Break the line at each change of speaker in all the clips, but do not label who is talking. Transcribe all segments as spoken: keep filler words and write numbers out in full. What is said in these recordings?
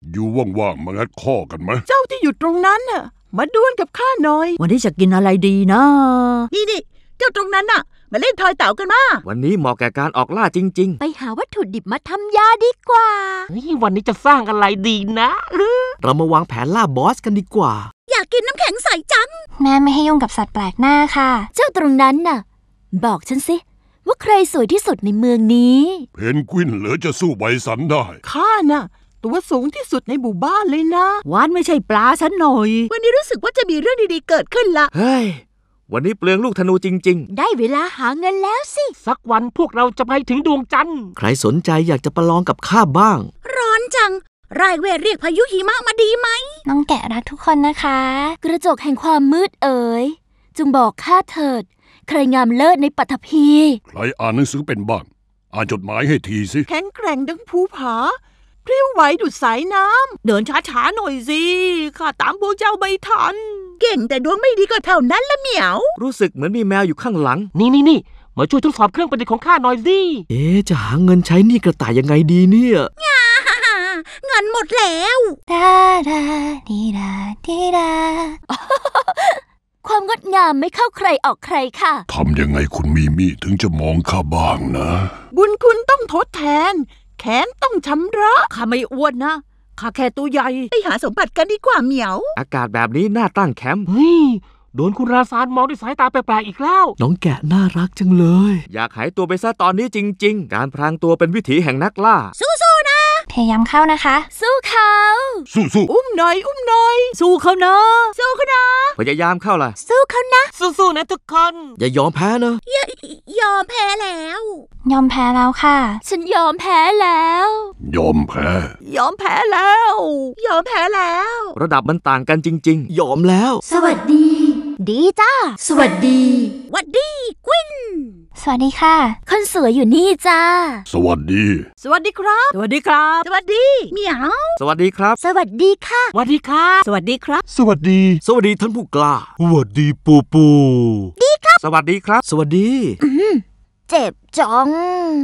อยู่ว่างๆมางัดข้อกันไหม
เจ้าที่อยู่ตรงนั้นน่ะมาดวลกับข้าหน่อย
วันนี้จะกินอะไรดีนะ
นี่นี่เจ้าตรงนั้นน่ะมาเล่นทอยเต๋ากันมา
วันนี้เหมาะแก่การออกล่าจริง
ๆไปหาวัตถุดิบมาทำยาดีกว่า
วันนี้จะสร้างอะไรดีนะ
เรามาวางแผนล่าบอสกันดีกว่า
อยากกินน้ำแข็งใสจัง
แม่ไม่ให้ยุ่งกับสัตว์แปลกหน้าค่ะ
เจ้าตรงนั้นน่ะบอกฉันสิว่าใครสวยที่สุดในเมืองนี้
เพนกวินเหลือจะสู้ไบสันได้
ข้าน่ะตัวสูงที่สุดในหมู่บ้านเลยนะ
วานไม่ใช่ปลาฉันหน่อย
วันนี้รู้สึกว่าจะมีเรื่องดีๆเกิดขึ้นละ
เฮ้ยวันนี้เปลืองลูกธนูจริง
ๆได้เวลาหาเงินแล้วสิ
สักวันพวกเราจะไปถึงดวงจันทร์
ใครสนใจอยากจะประลองกับข้าบ้าง
ร้อนจังรายเวทเรียกพายุหิมะมาดีไหม
น้องแกะรักทุกคนนะคะ
กระจกแห่งความมืดเอ๋ยจงบอกข้าเถิดใครงามเลิศในปฐพี
ใครอ่านหนังสือเป็นบ้างอ่านจดหมายให้ทีสิ
แข็งแกร่งดังภูผาพริ้วไหวดุจสายน้ำเดินช้าๆหน่อยสิข้าตามพวกเจ้าไม่ทันเก่งแต่ดวงไม่ดีก็เท่านั้นละเหมียว
รู้สึกเหมือนมีแมวอยู่ข้างหลัง
นี่นี่นี่มาช่วยทดสอบเครื่องประดิษฐ์ของข้าหน่อยสิ
เอ๊ะจะหาเงินใช้หนี้กระต่ายยังไงดีเนี่ย
เงินหมดแล้ว
ดาดาดีดาดีดา
ความงดงามไม่เข้าใครออกใครค่ะ
ทำยังไงคุณมีมี่ถึงจะมองข้าบ้างนะ
บุญคุณต้องทดแทนแขนต้องชำระ
ข้าไม่อ้วนนะข้าแค่ตัวใหญ่
ไปหาสมบัติกันดีกว่าเหมียว
อากาศแบบนี้น่าตั้งแคมป์
เฮ้ยโดนคุณราซานมองด้วยสายตาแปลกๆอีกแล้ว
น้องแกะน่ารักจังเลยอยากหายตัวไปซะตอนนี้จริงๆการพรางตัวเป็นวิถีแห่งนักล่า
สู้ๆนะ
พยายามเข้านะคะ
สู้เขา
สู้ๆ
อุ้มหน่อยอุ้มหน่อย
สู้เขานะ
สู้เขานะ
พยายามเข้าล่ะ
สู้เขานะ
สู้ๆนะทุกคน
อย่ายอมแพ้นะ
อย่ายอมแพ้แล้ว
ยอมแพ้แล้วค่ะ
ฉันยอมแพ้แล้ว
ยอมแพ้
ยอมแพ้แล้วยอมแพ้แล้ว
ระดับมันต่างกันจริงๆยอมแล้ว
สวัสดีดีจ้า
สวัสดีสวัสดีกวิน
สวัสดีค่ะ
คนสวยอยู่นี่จ้า
สวัสดี
สวัสดีครับ
สวัสดีครับ
สวัสดีเหมียว
สวัสดีครับ
สวัสดีค่ะ
สวัสดีค่ะ
สวัสดีครับ
สวัสดีสวัสดีท่านผู้กล้า
สวัสดีปูปู
ดีครับ
สวัสดีครับสวัสดี
เจ็บจัง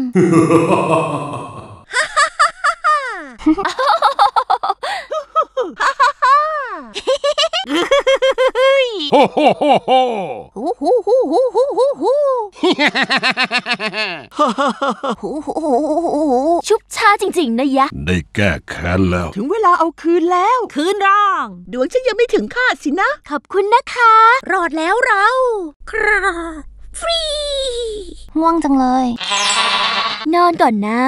โอ้โหโอ้โห
โอ้โหโอ้โหโอ้โหโอ้โหชุบช้าจริงๆนะยะ
ได้แก้แค้นแล้ว
ถึงเวลาเอาคืนแล้ว
คืนร่าง
ดวงฉันยังไม่ถึงคาดสินะ
ขอบคุณนะคะ
รอดแล้วเราคราฟรี
ง่วงจังเลย
นอนก่อนนะ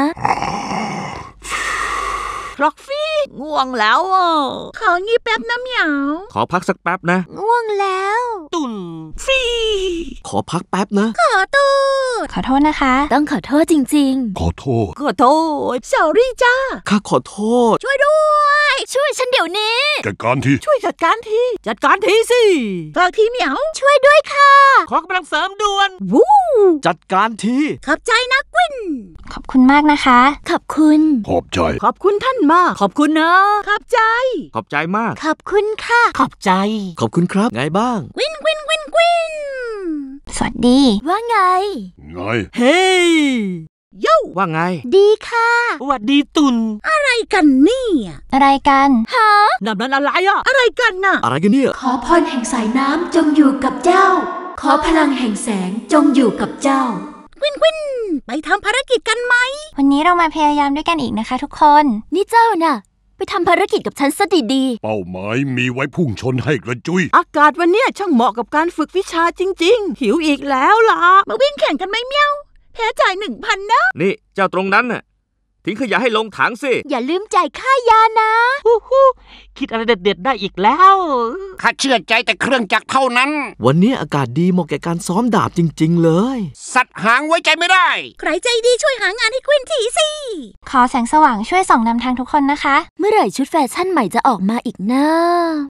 ฟล็อกฟี่ง่วงแล้วอ่ะของี้แป๊บนะเหมียว
ขอพักสักแป๊บนะ
ง่วงแล้ว
ตุ่น
ฟรี
ขอพักแป๊บนะ
ขอโทษ
ขอโทษนะคะ
ต้องขอโทษจริง
ๆขอโทษ
ขอโทษสอรี่จ้า
ข้าขอโทษ
ช่วยด้วย
ช่วยฉันเดี๋ยวนี้
จัดการที
ช่วยจัดการทีจัดการทีสิฝากทีเหมียว
ช่วยด้วยค่ะ
ขอกำลังเสริมด่วน
วู้
จัดการที
ขอบใจนะกวิน
ขอบคุณมากนะคะ
ขอบคุณ
ขอบใจ
ขอบคุณท่านมาก
ขอบคุณนะ
ขอบใจ
ขอบใจมาก
ขอบคุณค่ะ
ขอบใจ
ขอบคุณครับไงบ้าง
กวินกวินกวินกวิน
สวัสดี
ว่าไง
ไง
เฮ้ยโย่
ว่าไง
ดีค่ะ
สวัสดีตุน
อะไรกันเนี่ย
อะไรกัน
ฮะ
นั่นอะไรอ่ะอะไรกันน่ะ
อะไรกันเนี่ย
ขอพรแห่งสายน้ำจงอยู่กับเจ้าขอพลังแห่งแสงจงอยู่กับเจ้าก
วินกวินไปทำภารกิจกันไหม
วันนี้เรามาพยายามด้วยกันอีกนะคะทุกคน
นี่เจ้าน่ะไปทำภารกิจกับฉันซะดี
ๆเป้าหมายมีไว้พุ่งชนให้กระจุย
อากาศวันนี้ช่างเหมาะกับการฝึกวิชาจริงๆหิวอีกแล้วล่ะมาวิ่งแข่งกันไหมเมียวแพ้จ่ายหนึ่งพันนะ
นี่เจ้าตรงนั้นน่ะทิ้งขยะให้ลงถังสิ
อย่าลืมจ่ายค่ายานะ
ฮู้ฮู้คิดอะไรเด็ดๆได้อีกแล้ว
ข้าเชื่อใจแต่เครื่องจักรเท่านั้น
วันนี้อากาศดีเหมาะแก่การซ้อมดาบจริงๆเลย
สัตว์หางไว้ใจไม่ได้
ใครใจดีช่วยหางานให้กวินทีสิ
ขอแสงสว่างช่วยส่องนำทางทุกคนนะคะ
เมื่อไหร่ชุดแฟชั่นใหม่จะออกมาอีกนะ